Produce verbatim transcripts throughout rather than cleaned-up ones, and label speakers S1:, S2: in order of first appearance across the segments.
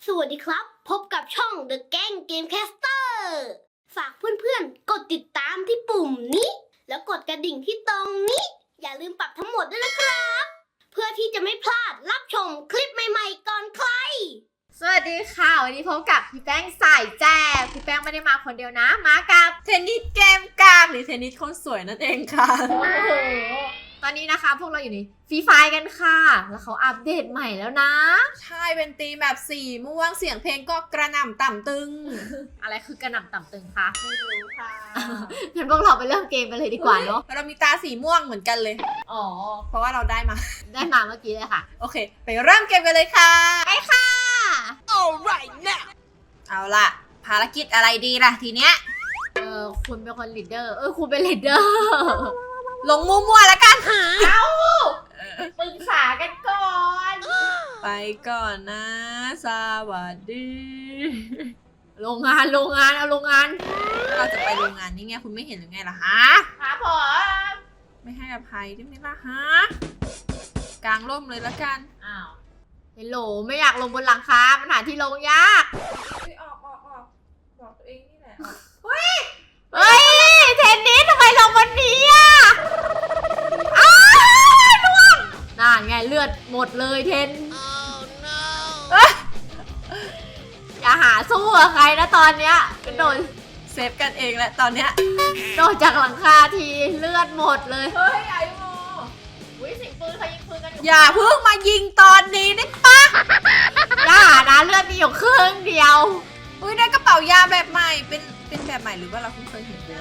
S1: สวัสดีครับพบกับช่อง The Gang Gamecaster ฝากเพื่อนๆกดติดตามที่ปุ่มนี้แล้วกดกระดิ่งที่ตรงนี้อย่าลืมปรับทั้งหมดด้วยนะครับเพื่อที่จะไม่พลาดรับชมคลิปใหม่ๆก่อนใคร
S2: สวัสดีค่ะวันนี้พบกับพี่แป้งสายแจ๊บพี่แป้งไม่ได้มาคนเดียวนะมากับ
S3: เทนนิสเกมกากหรือเทนนิสคนสวยนั่นเองค่ะ
S2: โอ้โหตอนนี้นะคะพวกเราอยู่ในฟรีไฟกันค่ะแล้วเขาอัปเดตใหม่แล้วนะ
S3: ใช่เป็นตีมแบบสีม่วงเสียงเพลงก็กระหน่ำต่ำตึง
S2: อะไรคือกระหน่ำต่ำตึงคะ
S3: ไม่รู้ค่ะ
S2: งั้นพวกเราไปเริ่มเกมกันเลยดีกว่าเนาะ
S3: เรามีตาสีม่วงเหมือนกันเลย
S2: อ๋อ
S3: เพราะว่าเราได้มา
S2: ได้มาเมื่อกี้เลยค่ะ
S3: โอเคไปเริ่มเกมกันเลยค่ะ
S2: ไปค่ะ
S3: alright now เอาล่ะภารกิจอะไรดีล่ะทีเนี้ย
S2: เออคุณเป็นคนลีดเดอร์เออคุณเป็นลีดเดอร์
S3: ลงมั่วๆแล้วกัน
S2: เอ้าปรึกษากันก่อน
S3: ไปก่อนนะสวัสดี
S2: โรงงานโรงงานเอาโรงงาน
S3: เราจะไปโรงงานนี่ไงคุณไม่เห็นหรือไงล่ะฮะ
S2: ครับผม
S3: ไม่ให้อภัยได้ไหมล่ะฮะกลางร่มเลยแล้วกัน
S2: อ้าวเฮลโหลไม่อยากลงบนหลังคามันหาที่ลงยาก
S3: ออกออกออกบอกตัวเองนี่แหละ
S2: เฮ้ยเฮ้ยเทนนิสทำไมลงบนนี้อ่ะอ้าวล่วงน่าไงเลือดหมดเลยเทน oh, no. อย่าหาสู้กับใครนะตอนเนี้ยกระโดด
S3: เซฟกันเองแหละตอนเนี้ย
S2: โดดจากหลังคาทีเลือดหมดเลย
S3: เฮ้ยไอ้โม
S2: อุ้ยสิงปืนเขายิงปืนกันอยู่
S3: อย่าเพิ่งมายิงตอนนี้ได้ปะ
S2: อย่านะเลือดมีอยู่ครึ่งเดียว
S3: อุ้ยได้กระเป๋ายาแบบใหม่เป็นเป็นแบบใหม่หรือว่าเราเพิ่งเคยเห็นเลย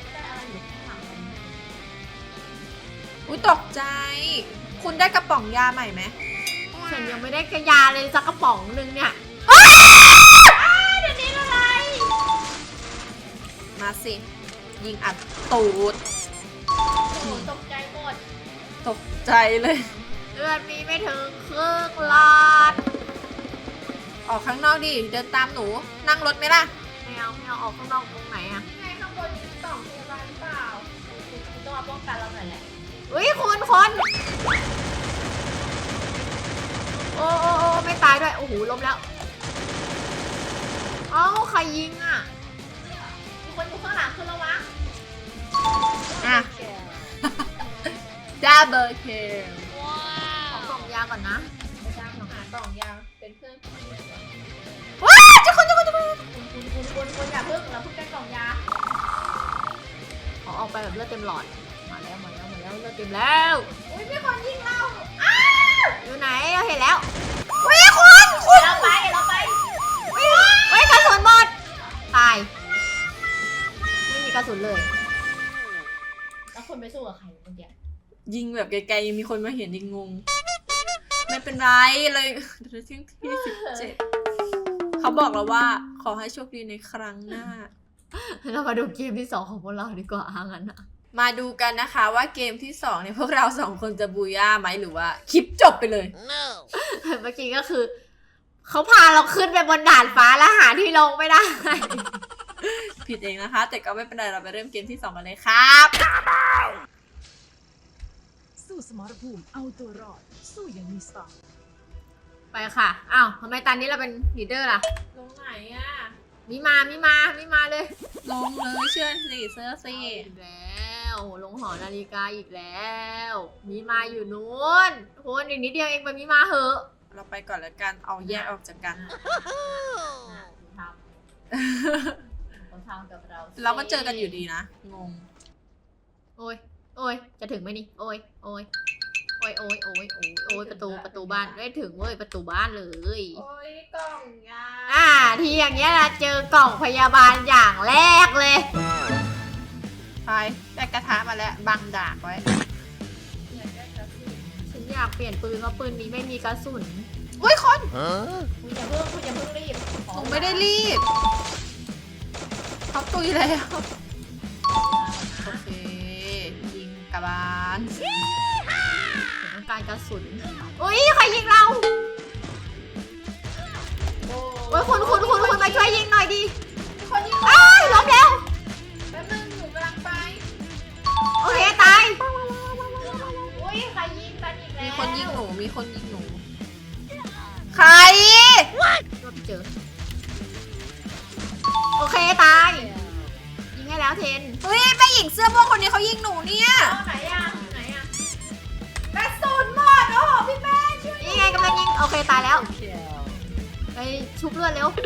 S3: อุ้ยตกใจคุณได้กระป๋องยาใหม่ไหม
S2: ฉันยังไม่ได้กระยาเลยสักกระป๋องนึงเนี่ยเดี๋ยวนี้อะไร
S3: มาสิยิงอัดตูด
S2: โอ้ตกใจหมด
S3: ตกใจเลย
S2: เลือดมีไม่ถึงครึ่งหลอด
S3: ออกข้างนอกดิเดินตามหนูนั่งรถไหมล่ะ
S2: ไม่เอาไม่เอาออกข้างนอกตรงไหนอะ
S3: ไงข้างบนมีกล่องพยาบาลหรือเปล่า
S2: คุณต้องมาป้องกันเราหน่อยแหละอุ้ยคุณคนโอ้โอ้โอ้ไม่ตายด้วยโอ้โหล้มแล้วเอ้าใครยิงอ่ะมีคนอยู่ข้างหลังคุณระวัง
S3: อ่ะดับเบิลคิล
S2: ขอกล่องยาก่อนนะ
S3: ไม่ได้ของหากล่องยาเป็นเพื่อน
S2: ว้าจะคนจะคนจะคนคุณคุณคุณคุณอย่าเพิ่งเราเพิ่งได้กล่องยาขอออกไปแบบเลือดเต็มหลอดมาแล้วมาแล้วมาแล้วเลือดเต็มแล้วอุ้ยมีคนยิงเราอ้าวอยู่ไหนเราเห็นแล้วอุ้ยคุณคุณเราไปเราไปอุ้ยอุ้ยกระสุนหมดตายไม่มีกระสุนเลยแล้วคนไปสู้กับใครเมื่อกี้
S3: ยิงแบบไกลๆมีคนมาเห็นยิงงงไม่เป็นไรเลยเที่ยงที่สิบเจ็ดเขาบอกเราว่าขอให้โชคดีในครั้งหน้า
S2: เรามาดูเกมที่สองของพวกเราดีกว่างั้นนะ
S3: มาดูกันนะคะว่าเกมที่สองเนี่ยพวกเราสองคนจะบูย่าไหมหรือว่าคลิปจบไปเลย
S2: no. เมื่อกี้ก็คือเขาพาเราขึ้นไปบนด่านฟ้าแล้วหาที่ลงไม่ได้
S3: ผิดเองนะคะแต่ก็ไม่เป็นไรเราไปเริ่มเกมที่สองกันเลยครับ
S4: สู้สมรภูมิเอาตัวรอดสู้อย่างมีสไตล์
S2: ไปค่ะอ้าวทำไมตอนนี้เราเป็นลีดเดอร์ล่ะ
S3: ลงไหนอ่ะ
S2: มีมามีมามีมาเลย
S3: ลงเลยเชื่อสิเสื้อสิ
S2: อีกแล้วลงหอนาฬิกาอีกแล้วมีมาอยู่นู้นคุณอีกนิดเดียวเองไปมีมาเหอะ
S3: เราไปก่อนแล้วกันเอาแยกออกจากกัน
S2: ทำทำกับเรา
S3: เราก็เจอกันอยู่ดีนะงง
S2: โอ้ยโอ้ยจะถึงไหมนี่โอ้ยโอ้ยโอ้ยโอ้ยโอ้ยโอ้ยโอ้ยประตูประตูบ้านได้ถึงเว้ยประตูบ้านเลย
S3: โอ้ยกล่องยา
S2: อ่าทีอย่างเงี้ยนะเจอกล่องพยาบาลอย่างแรกเลย
S3: ไปได้กระทะมาแล้วบังดาบไว้
S2: ฉันอยากเปลี่ยนปืนเพราะปืนนี้ไม่มีกระสุน
S3: อุ้ยคน
S2: คุณอย่าเพิ่งคุณอย่าเพิ่งรีบ
S3: ผมไม่ได้รีบเขาตุยแล้วโอเคยิงกระบาล
S2: ต้องการกระสุนอุ้ยใครยิงเราโอ้ยคุณคุณคุณคุณมาช่วยยิงหน่อยดิ
S3: คนยิง
S2: อ้าวล้มแล้ว
S3: แป๊บนึงหนูกำลังไป
S2: โอเคตายอุ้ยใครยิงกันอีกแล้ว
S3: มีคนยิงหนูมีคนยิงหนูใคร
S2: ก็เจอโอเคตาย ยิงให้แล้วเทน
S3: เฮ้ยแม่หญิงเสื้อม่วงคนนี้เขายิงหนูเนี่ย
S2: เอาไหนอ่ะไหนอ่ะกระสุนหมดโอ้โหพี่แม่ช่วยนี่ไงกำลังยิง โอเคตายแล้วไปชุบเลือดเร็ว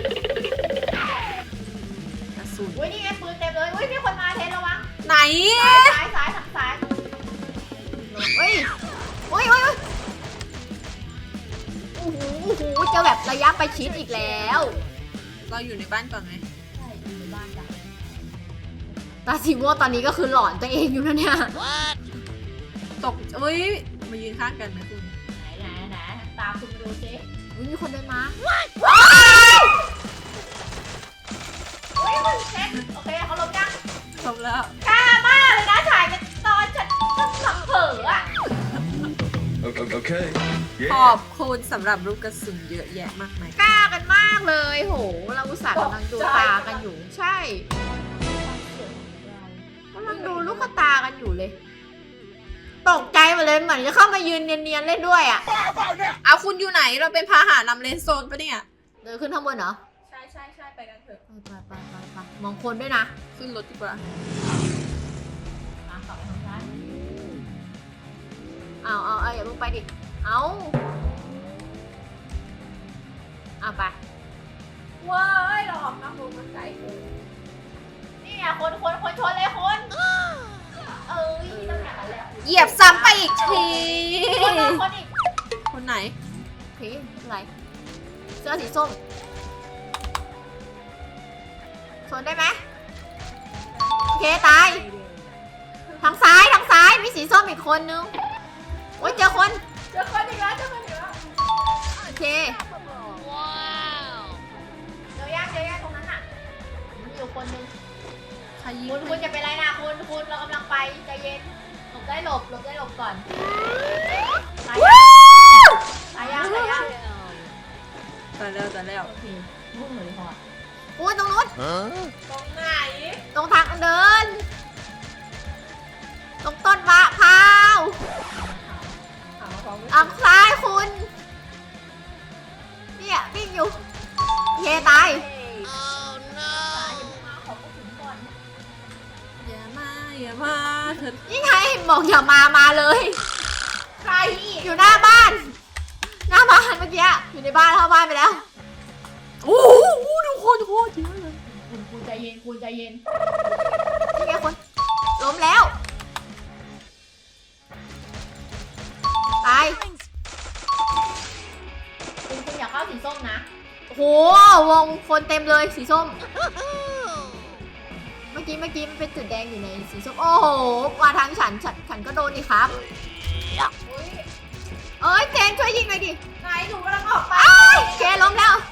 S3: กระสุน
S2: อุ้ยนี่ไงปืนเต็มเลยอุ้ยมีคนมาเทนระวัง
S3: ไหน
S2: ซ้ายซ้ายทางซ้ายเฮ้ยอุ้ยอุ้ยอุ้ยโอ้โหโอ้โหเจอแบบระยะประชิดอีกแล้ว
S3: เราอยู่ในบ้านก่อนไหม
S2: ใช่อยู่ในบ้านจ้ะตาสีม่วงตอนนี้ก็คือหลอนตัวเองอยู่นะเนี่ย
S3: ตกเฮ้ยมายืนข้างกันไหมคุณ
S2: ไหนไหนไหนตามคุณดูสิมีคนเดินมา
S3: ว้าย
S2: เฮ้ยมันเช็คโอเคเขาลบยัง
S3: จบแล้ว
S2: กล้ามากเลยนะถ่ายกันตอนฉันฉันหลังเผลออ่ะ
S5: Okay. okay.
S3: ขอบคุณสำหรับลูกกระสุนเยอะแยะมากมาย
S2: กล้ากันมากเลยโหเราอุตส่าห์กำลังดูตากันอยู่ใช่กำลังดูลูกตากันอยู่เลย ตกใจหมดเลยเหมือนจะเข้ามายืนเนียนๆเล่นด้วยอ่ะ
S3: เอาคุณอยู่ไหนเราเป็นพาหะนำเลนโซนปะเนี่ย
S2: เดินขึ้นข้างบนเหรอ
S3: ใช่ใช่ใช่ไปกันเถอะ
S2: ไปไปไปไปมองคนด้วยนะ
S3: ขึ้นรถดีกว่า
S2: มาต่อทางซ้ายเอาเอาเอาอย่าเพิ่งไปดิ เอาเอาไป
S3: ว้ายเราออกนอกวงมันไกลเกิน
S2: นี่อ่ะคนคนคนชนเลยคนเอ้ยต้องอย่างนั้นแหละ
S3: เหยียบซ้ำไปอีกที
S2: คนมาคนอีก
S3: คนไหน
S2: โอเคไม่เป็นไรเสื้อสีส้มชนได้ไหมโอเคตาย ทางซ้ายทางซ้ายมีสีส้มอีกคนนึงโอ้ยเจอคน
S3: เจอคนอีกแล้วเจอคนอีกแล้ว
S2: โอเคว้าวเจอยังเจอยังตรงนั้นอ่ะมีอยู่คนนึง
S3: ใครยิง
S2: คุณคุณจะเป็นไรนะคุณคุณเรากำลังไปใจเย็นหลบได้หลบหลบได้หลบก่อนตายยังตายยังตายยัง
S3: ตายแล้วตายแล้ว
S2: โอเคมุ่งเลยพออุ้ยตรงนู้น
S5: Huh?
S3: ตรงไหน
S2: ตรงทางเดิน ตรงต้นมะพร้าว
S3: ถามมาพร้อมกัน
S2: ทางซ้ายคุณเนี่ยวิ่งอยู่โอเคตาย
S3: อย่ามาอย่ามาเธอ
S2: นี่ไงบอกอย่ามามาเลย
S3: ใคร
S2: อยู่หน้าบ้าน หน้าบ้านเมื่อกี้อยู่ในบ้านเข้าบ้านไปแล้ว
S3: โอ้โหดูคนโคตรเยอะเลย
S2: คุณคุณใจเย็นคุณใจเย็นนี่ไงคนล้มแล้ว ตายคุณคุณอยากเข้าสีส้มนะโอ้โหวงคนเต็มเลยสีส้ม เมื่อกี้เมื่อกี้มันเป็นจุดแดงอยู่ในสีส้มโอ้โหมาทางฉันฉันฉันก็โดนดิครับ
S3: อุ๊ย
S2: เอ้ยเจนช่วยยิงหน่อยดิ
S3: ไหนหนูกำลังออกไป
S2: อ้ายเคล้มแล้ว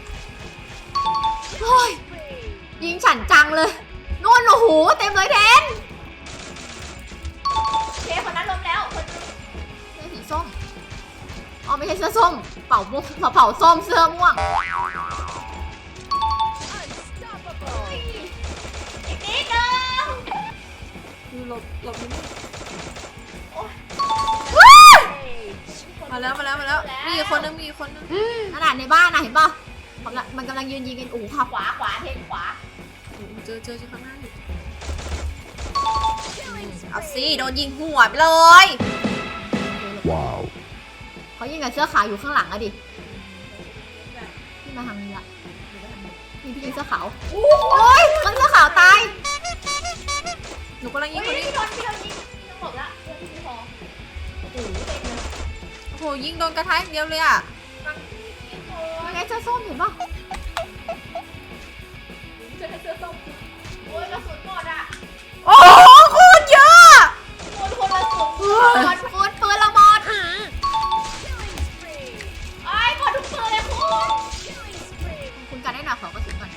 S2: โอ้ยยิงฉันจังเลยนู่นโอ้โหเต็มเลยแทนเคคนนั้นล้มแล้วคนเสื้อสีส้มอ๋อไม่ใช่เสื้อส้มเป่าม่วงเป่าส้มเสื้อม่วงอีกนิดนึง
S3: คือหลบหลบนิดนึง
S2: ว้าย
S3: มาแล้วมาแล้วมาแล้วมีอีกคนนึงมีอีกคนนึง
S2: ขนาดในบ้านนะเห็นป่ะกำลังมันกำลังยืนยิงกันโอ้โหขับขวาขวาเทนขวา
S3: โอ้โหเจอเจอที่ข้างหน้าอยู่เอาสิโดนยิงหัวไปเลย
S5: Wow.
S2: เขายิงกับเสื้อขาวอยู่ข้างหลังอะดิพี่มาทางนี้ละนี่พี่ยิงเสื้อขาวโอ้ยคนเสื้อขาวตาย
S3: หนูกำลังยิงคนนี้
S2: พี่โดนพี่โดนยิงต้องหลบละเพื่อนพี่ไม่พอโอ้โหเต็มเลย
S3: โอ้โหยิงโดนกระทะอย่างเดียวเลยอ่ะ
S2: ยังไงเสื้อส้มเห็นป่ะโอ้ยกระสุนหมดอะ
S3: โอ้โหโคตรเยอะ
S2: คนคนละสุนหมดปืนปืนละหมดไอ้ยหมดทุกปืนเลยคุณคุณกันได้หน่อยขอกระสุนก่อน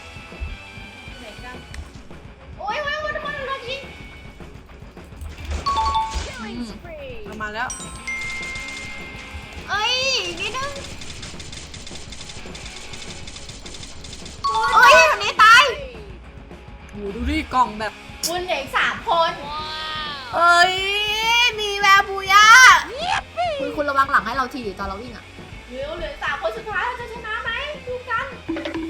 S2: โอ้ยโอ้ยโอ้ยคนโดนยิง
S3: อืมเอามาแล้ว
S2: เอ้ยอีกนิดนึงเอ้ยคนนี้ตาย
S3: โอ้โหดูดิกล่องแบบ
S2: คุณเหลืออีกสามคน
S3: เอ้ยมีแววบูย่า
S2: คุณคุณระวังหลังให้เราทีดิตอนเราวิ่งอ่ะเหลือเหลือสามคนสุดท้ายเราจะชนะไหมดูกัน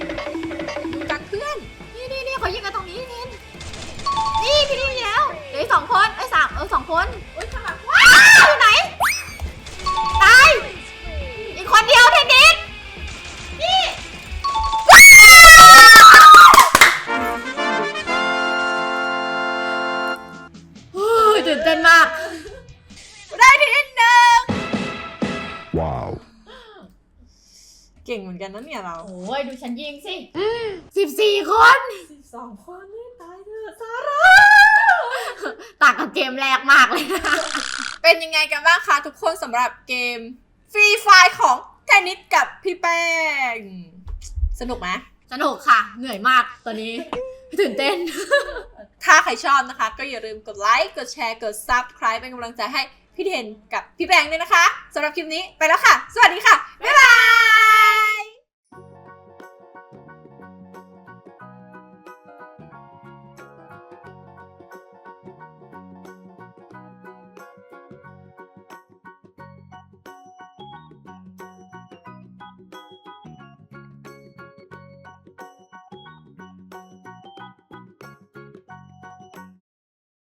S3: มือนกันนะเนี่ยเรา
S2: โอ้ยดูฉันยิงสิสิบสี่คน
S3: สิบสองคนนี่ตายเถอะซาร่า
S2: ต่างกับเกมแรกมากเลยนะ
S3: เป็นยังไงกันบ้างคะทุกคนสำหรับเกมฟรีไฟของเทนนิสกับพี่แป้งสนุกไหม
S2: สนุกค่ะ เหนื่อยมากตอนนี้ ตื่นเต้น
S3: ถ้าใครชอบนะคะ ก็อย่าลืมกดไลค์กดแชร์กด ซับสไครบ์ เป็นกำลังใจให้พี่เทนกับพี่แป้งด้วยนะคะสำหรับคลิปนี้ไปแล้วค่ะ สวัสดีค่ะ บ๊ายบาย